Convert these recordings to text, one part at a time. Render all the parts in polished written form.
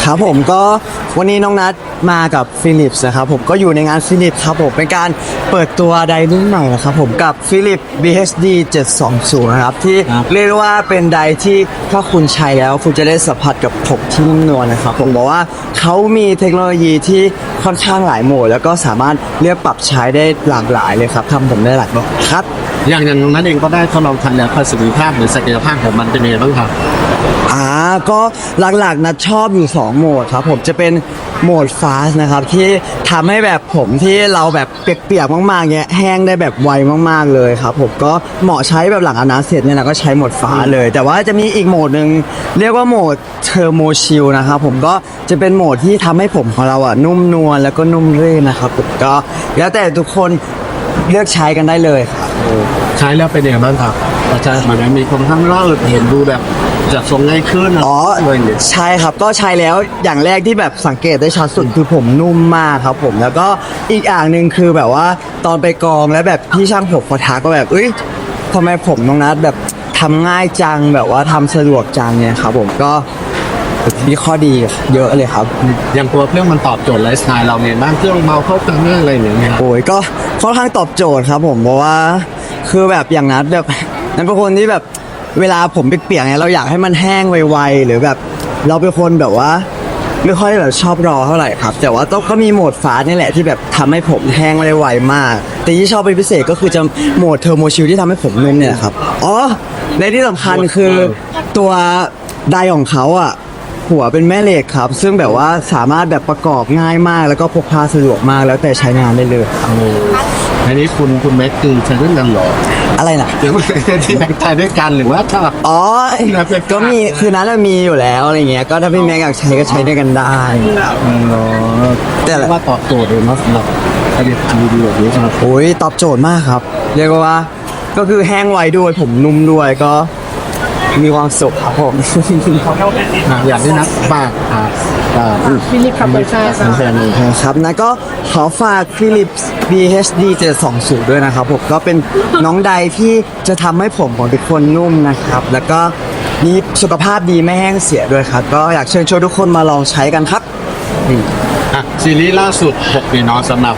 ครับผมก็วันนี้น้องนัดมากับฟิลิปส์นะครับผมก็อยู่ในงานฟิลิปส์ครับผมเป็นการเปิดตัวไดร์รุ่นใหม่นะครับผมกับฟิลิป BHD 720นะครับที่เรียกว่าเป็นไดร์ที่ถ้าคุณใช้แล้วคุณจะได้สัมผัสกับผมที่นุ่มนวลนะครับผมบอกว่าเขามีเทคโนโลยีที่ค่อนข้างหลายโหมดแล้วก็สามารถเลือกปรับใช้ได้หลากหลายเลยครับทำผมได้หลายแบบครับอย่างนั้นเองก็ได้ทดลองใช้แล้วประสิทธิภาพหรือศักยภาพของมันเป็นยังไงบ้างครับก็หลักๆนะชอบอยู่2โหมดครับผมจะเป็นโหมดฟาสนะครับที่ทำให้แบบผมที่เราแบบเปียกๆมากๆเงี้ยแห้งได้แบบไวมากๆเลยครับผมก็เหมาะใช้แบบหลังอาบน้ำเสร็จเนี่ยนะก็ใช้โหมดฟ้าเลยแต่ว่าจะมีอีกโหมดหนึ่งเรียกว่าโหมดเทอร์โมชิลนะครับผมก็จะเป็นโหมดที่ทำให้ผมของเรานุ่มนวลแล้วก็นุ่มรื่นนะครับผมก็แล้วแต่ทุกคนเลือกใช้กันได้เลยครับใช้แล้วเป็นยังไงบ้างครับอาจารย์เหมือนมีคนข้างล่างเห็นดูแบบจัดทรงง่ายขึ้นใช่ครับก็ใช้แล้วอย่างแรกที่แบบสังเกตได้ชัดสุดคือผมนุ่มมากครับผมแล้วก็อีกอย่างหนึ่งคือแบบว่าตอนไปกองแล้วแบบพี่ช่างผมเขาทักก็แบบทำไมผมน้องนัดแบบทำง่ายจังแบบว่าทำสะดวกจังเนี่ยครับผมก็มีข้อดีเยอะเลยครับอย่างตัวเครื่องมันตอบโจทย์ไลฟ์สไตล์เราเนี่ยบ้างเครื่องเบาเข้ากันอะไรอย่างเงี้ยโอ้ยก็ค่อนข้างตอบโจทย์ครับผมเพราะว่าคือแบบอย่างนัดแบบนั้นเป็นคนที่แบบเวลาผมเปียกๆเนี่ยเราอยากให้มันแห้งไวๆหรือแบบเราเป็นคนแบบว่าไม่ค่อยแบบชอบรอเท่าไหร่ครับแต่ว่าก็มีโหมดฟ้านี่แหละที่แบบทำให้ผมแห้งได้ไวมากแต่ที่ชอบเป็นพิเศษก็คือจะโหมดเทอร์โมชิลที่ทำให้ผมนุ่มเนี่ยครับในที่สำคัญคือตัวไดร์ของเขาหัวเป็นแม่เหล็กครับซึ่งแบบว่าสามารถแบบประกอบง่ายมากแล้วก็พกพาสะดวกมากแล้วแต่ใช้งานได้เลยอันนี้คุณแม็กคือใช้ด้วยกันหรออะไรนะเดี๋ยวที่แม็กใช้ด้วยกันหรือว่าถ้าก็มีคือนั้นมีอยู่แล้วอะไรเงี้ยก็ถ้าพี่แม็กอยากใช้ก็ใช้ด้วยกันได้แต่ว่าตอบโจทย์เลยเนาะสำหรับไอเดียดีแบบนี้ครับโอ้ยตอบโจทย์มากครับเรียกว่าก็คือแห้งไวด้วยผมนุ่มด้วยก็มีความสุขครับผมอยากได้นักฝากฟิลิปครับใช่ครับนะก็ขอฝาก Philips BHD 720ด้วยนะครับผมก็เป็นน้องใดที่จะทำให้ผมของทุกคนนุ่มนะครับแล้วก็มีสุขภาพดีไม่แห้งเสียด้วยครับก็อยากเชิญชวนทุกคนมาลองใช้กันครับซีรีส์ล่าสุด6ปีนอนสำหรับ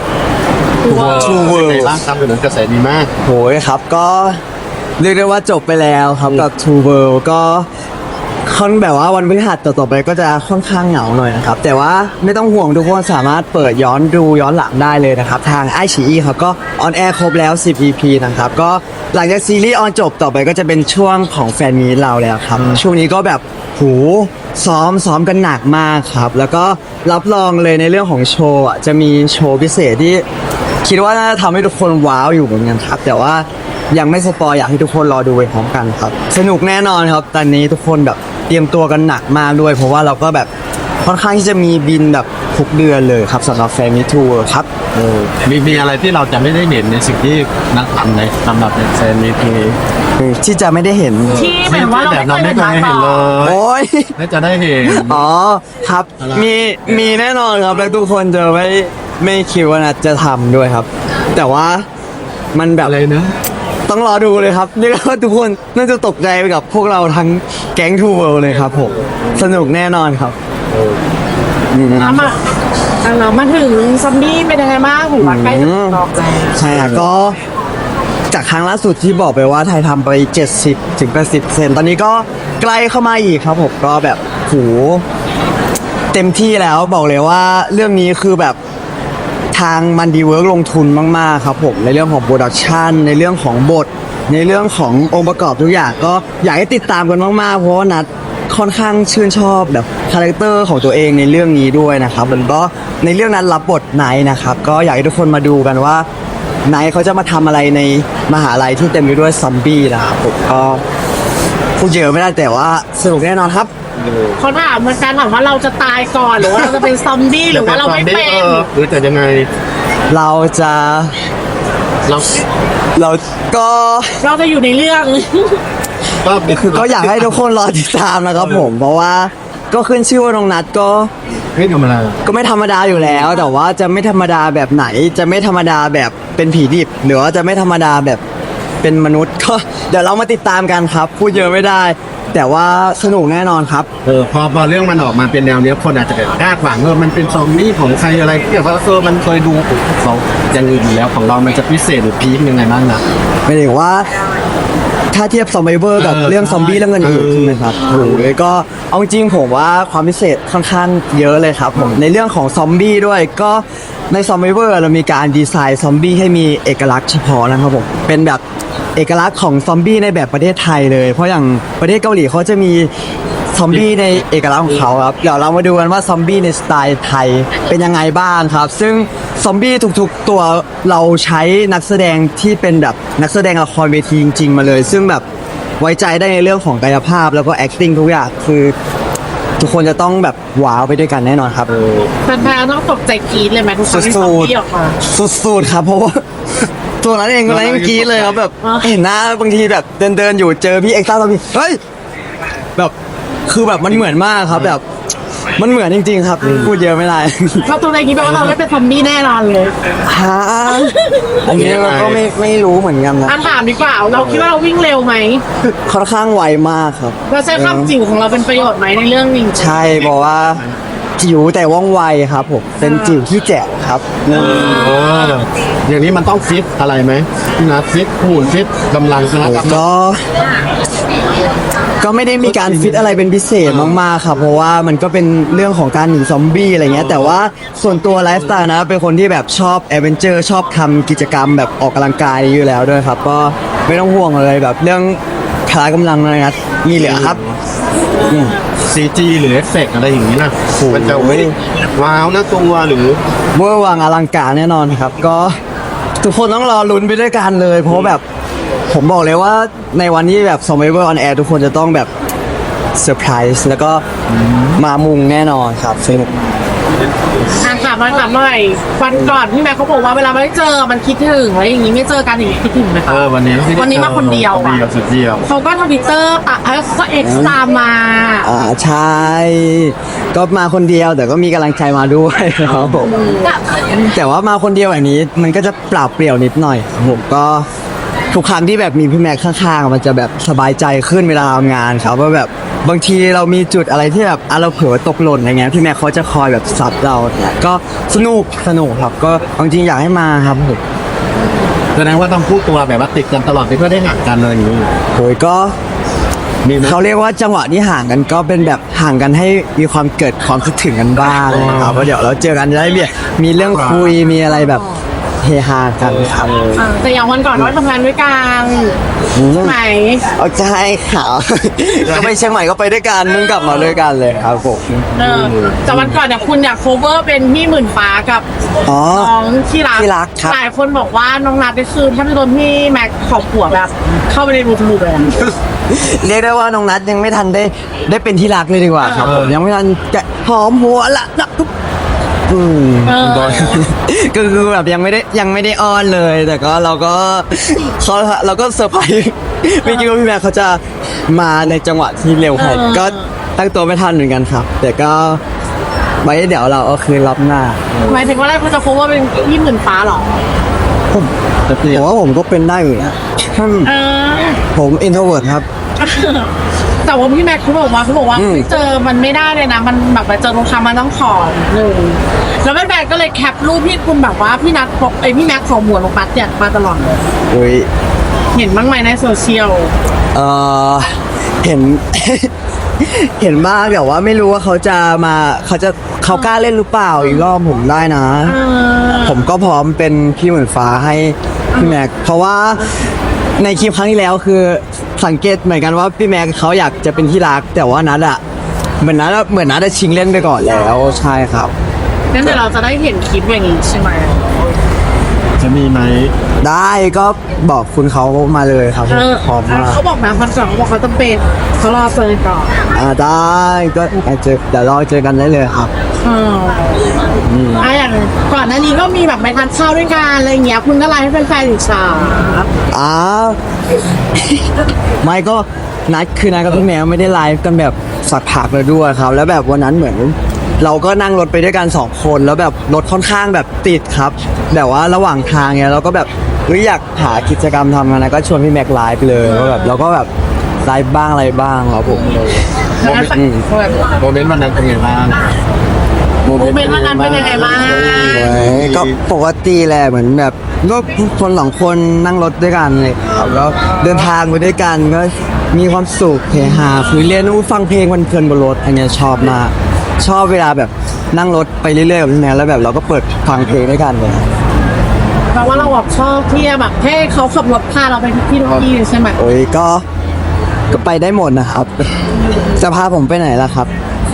True World ร่างกายเป็นกระแสดีมากโหยครับก็เรียกได้ว่าจบไปแล้วครับกับ True World ก็ค่อนแบบว่าวันพฤหัสต่อไปก็จะค่อนข้างเหงาหน่อยนะครับแต่ว่าไม่ต้องห่วงทุกคนสามารถเปิดย้อนหลังได้เลยนะครับทางไอชีอีครับก็ออนแอร์ครบแล้ว10 EP นะครับก็หลังจากซีรีส์ออนจบต่อไปก็จะเป็นช่วงของแฟนมีตเราแล้วครับช่วงนี้ก็แบบซ้อมกันหนักมากครับแล้วก็รับรองเลยในเรื่องของโชว์จะมีโชว์พิเศษที่คิดว่าน่าจะทำให้ทุกคนว้าวอยู่เหมือนกันครับแต่ว่ายังไม่สปอยอยากให้ทุกคนรอดูไปพร้อมกันครับสนุกแน่นอนครับตอนนี้ทุกคนแบบเตรียมตัวกันหนักมากด้วยเพราะว่าเราก็แบบค่อนข้างที่จะมีบินแบบทุกเดือนเลยครับสำหรับแฟนมิทัวร์ครับมีอะไรที่เราจะไม่ได้เห็นในสิ่งที่นักทำในสำหรับแฟนมิทัวร์ที่จะไม่ได้เห็นที่หมายว่าเราไม่เคยเห็นเลยโอ้ยน่าจะได้เห็นครับมีแน่นอนครับแล้วทุกคนจะไม่คิดว่านัดจะทำด้วยครับแต่ว่ามันแบบอะไรนะต้องรอดูเลยครับเรียกว่าทุกคนน่าจะตกใจไปกับพวกเราทั้งแก๊งทูเวิลด์เลยครับผมสนุกแน่นอนครับเรามาถึงซอมบี้เป็นยังไงบ้างผมว่าใกล้จะออกแล้วใช่ก็จากครั้งล่าสุดที่บอกไปว่าไทยทำไป 70-80%ตอนนี้ก็ใกล้เข้ามาอีกครับผมก็แบบเต็มที่แล้วบอกเลยว่าเรื่องนี้คือแบบทางมันดีเวิร์กลงทุนมากๆครับผมในเรื่องของโปรดักชันในเรื่องของบทในเรื่องขององค์ประกอบทุกอย่างก็อยากให้ติดตามกันมากๆเพราะว่านัดค่อนข้างชื่นชอบแบบคาแรคเตอร์ของตัวเองในเรื่องนี้ด้วยนะครับมันก็ในเรื่องนั้นรับบทไนท์นะครับก็อยากให้ทุกคนมาดูกันว่าไนท์เขาจะมาทำอะไรในมหาลัยที่เต็มไปด้วยซอมบี้นะครับผมก็พูดเยอะไม่ได้แต่ว่าสนุกแน่นอนครับเขาถามเหมือนกันถามว่าเราจะตายก่อนหรือว่าเราจะเป็นซอมบี้หรือว่าเราไม่เป็นหรือจะยังไงเราจะอยู่ในเรื่องก็อยากให้ทุกคนรอติดตามนะครับผมเพราะว่าก็ขึ้นชื่อว่าน้องนัดก็ไม่ธรรมดาก็ไม่ธรรมดาอยู่แล้วแต่ว่าจะไม่ธรรมดาแบบไหนจะไม่ธรรมดาแบบเป็นผีดิบหรือว่าจะไม่ธรรมดาแบบเป็นมนุษย์ก็เดี๋ยวเรามาติดตามกันครับพูดเยอะไม่ได้แต่ว่าสนุกแน่นอนครับพอเรื่องมันออกมาเป็นแนวเนี้ยคนอาจจะแบบคาดหวังมันเป็นซอมบี้ของใครอะไรที่แบบว่ามันเคยดูของอย่างอื่นอยู่แล้วของเรามันจะพิเศษหรือพีคยังไงบ้างนะไม่ได้ว่าถ้าเทียบซอมบี้เวอร์กับเรื่องซอมบี้เรื่องอื่นๆใช่ไหมครับโอ้โหก็เอาจริงๆผมว่าความพิเศษค่อนข้างเยอะเลยครับผมในเรื่องของซอมบี้ด้วยก็ในซอมบี้เวอร์เรามีการดีไซน์ซอมบี้ให้มีเอกลักษณ์เฉพาะนะครับผมเป็นแบบเอกลักษณ์ของซอมบี้ในแบบประเทศไทยเลยเพราะอย่างประเทศเกาหลีเขาจะมีซอมบี้ในเอกลักษณ์ของเขาครับเดี๋ยวเรามาดูกันว่าซอมบี้ในสไตล์ไทยเป็นยังไงบ้างครับซึ่งซอมบี้ทุกๆตัวเราใช้นักแสดงที่เป็นแบบนักแสดงละครเวทีจริงๆมาเลย ซึ่งแบบไว้ใจได้ในเรื่องของกายภาพแล้วก็ acting ทุกอย่างคือทุกคนจะต้องแบบว้าวไปด้วยกันแน่นอนครับแฟนๆต้องตกใจกรี๊ดเลยไหมทุกคสุรั้งที่ซอมดบี้ออกมาๆสุดๆครับเพราะว่า ตัวนั้นเองก็เลยกรี๊ดเลยครับแบบอ๋อเห็นหน้าบางทีแบบเดินอยู่เจอพี่เอ็กซ์ต้าซอมบี้เฮ้ยแบบคือแบบมันเหมือนมากครับแบบมันเหมือนจริงๆครับพูดเยอะไม่ได้เราตัวในนี้แปลว่าเราไม่เป็นซอมบี้แน่นอนเลยฮะอันนี้เราก็ไม่รู้เหมือนกันนะอ่ะถามดีกว่าเราคิดว่าเราวิ่งเร็วไหมค่อนข้างไวมากครับเราใช้ความจิ๋วของเราเป็นประโยชน์ไหมในเรื่องนี้ใช่บอกว่าจิ๋วแต่ว่องไวครับผมเป็นจิ๋วที่แจ๋วครับอย่างนี้มันต้องฟิตอะไรไหมนะฟิตหุ่นฟิตกำลังนะก็ไม่ได้มีการฟิตอะไรเป็นพิเศษมากๆครับเพราะว่ามันก็เป็นเรื่องของการหนีซอมบี้อะไรเงี้ยแต่ว่าส่วนตัวไลฟ์สไตล์นะเป็นคนที่แบบชอบแอดเวนเจอร์ชอบทำกิจกรรมแบบออกกำลังกายอยู่แล้วด้วยครับก็ไม่ต้องห่วงเลยแบบเรื่องพละกำลังอะไรนะมีเหลือครับซีจีหรือเอฟเฟกต์อะไรอย่างนี้นะมันจะว้าวนะตัวหรือเวอร์วังอลังการแน่นอนครับ ก็ทุกคนต้องรอลุ้นไปด้วยกันเลย เพราะแบบผมบอกเลยว่าในวันที่แบบ Survivor on Air ทุกคนจะต้องแบบเซอร์ไพรส์แล้วก็มามุงแน่นอนครับซึ่งถามหน่อยวันก่อนพี่แม่เขาบอกว่าเวลาไม่ได้เจอมันคิดถึงอะไรอย่างนี้ไม่เจอกันอย่างนี้คิดถึงไหมคะวันนี้วันนี้มาคนเดียวอะสุดเดียวเขาก็ทวิตเตอร์ปะก็เอ็กซ์ตามมาใช่ ก็มาคนเดียวแต่ก็มีกำลังใจมาด้วยครับผมแต่ว่ามาคนเดียวแบบนี้มันก็จะเปล่าเปลี่ยวนิดหน่อยครับผมก็ทุกครั้งที่แบบมีพี่แม็กข้างๆมันจะแบบสบายใจขึ้นเวลาทำงานครับว่าแบบบางทีเรามีจุดอะไรที่แบบเราเผลอตกหล่นอะไรเงี้ยพี่แม็กเขาจะคอยแบบซับเราเนี่ยก็สนุกครับก็จริงๆอยากให้มาครับผมแสดงว่าต้องพูดตัวแบบว่าติดกันตลอดเพื่อได้ห่างกันเลยอย่างนี้โอ้ยก็มีไหมเขาเรียกว่าจังหวะที่ห่างกันก็เป็นแบบห่างกันให้มีความเกิดความคิดถึงกันบ้างนะครับเพราะเดี๋ยวเราเจอกันจะได้มีเรื่องคุยมีอะไรแบบเฮฮากันครับแต่อย่างวันก่อนว่าทำงานด้วยกันใช่ไหมเอาใจข่าว ก็ไปเชียงใหม่ก็ไปด้วยกันมึงกลับมาด้วยกันเลยครับผมแต่วันก่อนเนี่ยคุณอยากโคเวอร์เป็นพี่หมื่นฟ้ากับอ๋อน้องที่รักที่รักครับหลายคนบอกว่าน้องนัทนี่คือถ้าไม่โดนพี่แม็กขอบหัวแบบ เข้าไปในรูทะลุเลยเรียกได้ว่าน้องนัทยังไม่ทันได้เป็นที่รักเลยดีกว่าครับผมยังไม่ทันจะหอมหัวละนะทุกก็คือแบบยังไม่ได้อ้อนเลย แต่ก็เราก็เซอร์ไพรส์ไม่คิดว่าพี่แม่เขาจะมาในจังหวะที่เร็วขนาดก็ตั้งตัวไม่ทันเหมือนกันครับ แต่ก็ไว้เดี๋ยวเราเอาคืนรับหน้าหมายถึงว่าแรกคุณจะโคเวอร์เป็นพี่หมื่นฟ้าเหรอผมว่าผมก็เป็นได้อยู่นะเออผมอินโทรเวิร์ดครับแต่ว่าพี่แม็กเขาบอกว่าเจอมันไม่ได้เลยนะมันแบบไปเจอตรงคำมันต้องขอหนึ่งแล้วแม่แบกก็เลยแคปรูปที่คุณแบบว่าพี่นัทพี่แม็กขอหัวลงปัดเนี่ยมาตลอดเลยอุ้ยเห็นบ้างไหมในโซเชียลเออเห็น เห็นบ้างแต่ว่าไม่รู้ว่าเขากล้าเล่นหรือเปล่าอีกรอบผมได้นะ ผมก็พร้อมเป็นพี่เหมือนฟ้าให้พี่แม็กเพราะว่าในคลิปครั้งที่แล้วคือสังเกตเหมือนกันว่าพี่แม็กเขาอยากจะเป็นที่รัก แต่ว่านัดอะเหมือนนัดชิงเล่นไปก่อนแล้วใช่ครับงั้นเดี๋ยวเราจะได้เห็นคลิปอย่างนี้ใช่ไหมจะมีไหมได้ก็บอกคุณเขามาเลยครับพร้อมมากเขาบอกนะพันสองเขาบอกเขาจะเป็นเขารอเจอก่อนได้ก็เดี๋ยวรอเจอกันได้เลยครับอย่างก่อนหน้านี้ก็มีแบบไปทานข้าวด้วยกันอะไรเงี้ยคุณก็ไลน์ให้แฟนๆอิจฉาอ้าวไม่ก็นัดกับพี่แมวไม่ได้ไลฟ์กันแบบสักพักเลยด้วยครับ แล้วแบบวันนั้นเหมือน เราก็นั่งรถไปด้วยกัน2 คนแล้วแบบรถค่อนข้างแบบติดครับแต่ว่าระหว่างทางเนี่ยเราก็แบบอยากหากิจกรรมทำกันนะก็ชวนพี่แม็กไลฟ์เลยว่าแบบเราก็แบบไลฟ์บ้างอะไรบ้างครับผมโมเมนต์โมเมนต์วันนั้นเป็นไงบ้างโมเมนต์วันนั้นเป็นยังไงบ้างก็ปกติแหละเหมือนแบบก็คนสองคนนั่งรถด้วยกันเลยครับแล้วเดินทางไปด้วยกันก็มีความสุขเฮฮาคุยเล่นฟังเพลงเพลินๆบนรถอันเนี้ยชอบมากชอบเวลาแบบนั่งรถไปเรื่อยๆกับพี่แม่แล้วแบบเราก็เปิดฟังเพลงด้วยกันเลยเพราะว่าเราแบบชอบที่จะแบบให้เขาขับรถพาเราไปทุกที่ทุกที่ใช่ไหมโอ้ยก็ไปได้หมดนะครับ จะพาผมไปไหนล่ะครับ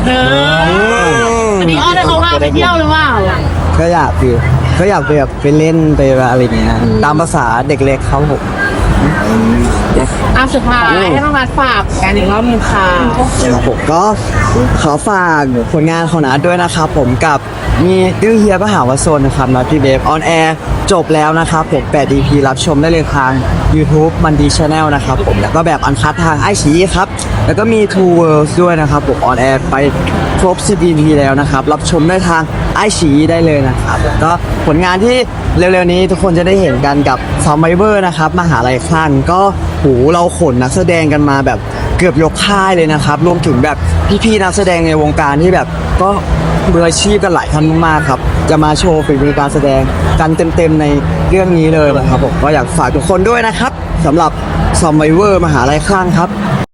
อันนี้อ้อนให้เขาพาไปเที่ยวหรือเปล่าก็อยากไปแบบไปเล่นไปอะไรอย่างเงี้ยตามภาษาเด็กเล็กเขาผมสุดท้ายให้น้องนัดฝากกันอีกรอบนึงค่ะผมก็ขอฝากผลงานของนัดด้วยนะครับผมกับมีดื้อเฮียก็หาว่าโซนนะครับนัดพี่เบฟออนแอร์จบแล้วนะครับผม8 EP รับชมได้เลยทาง YouTube มันดีชาแนลนะครับผมแล้วก็แบบอันคัดทางไอชีครับแล้วก็มี Two Worlds ด้วยนะครับผมออนแอร์ไปครบ10 EP แล้วนะครับรับชมได้ทางไอชีได้เลยนะครับก็ผลงานที่เร็วๆนี้ทุกคนจะได้เห็นกันกับซอมไบเวอร์นะครับมหาลัยคลั่งก็โหเราขนนักแสดงกันมาแบบเกือบยกค่ายเลยนะครับรวมถึงแบบพี่ๆนักแสดงในวงการที่แบบก็มืออาชีพกันหลายท่านมากๆครับจะมาโชว์ฝีมือการแสดงกันเต็มๆในเรื่องนี้เลยนะครับผมก็อยากฝากทุกคนด้วยนะครับสำหรับซอมไบเวอร์มหาลัยคลั่งครับ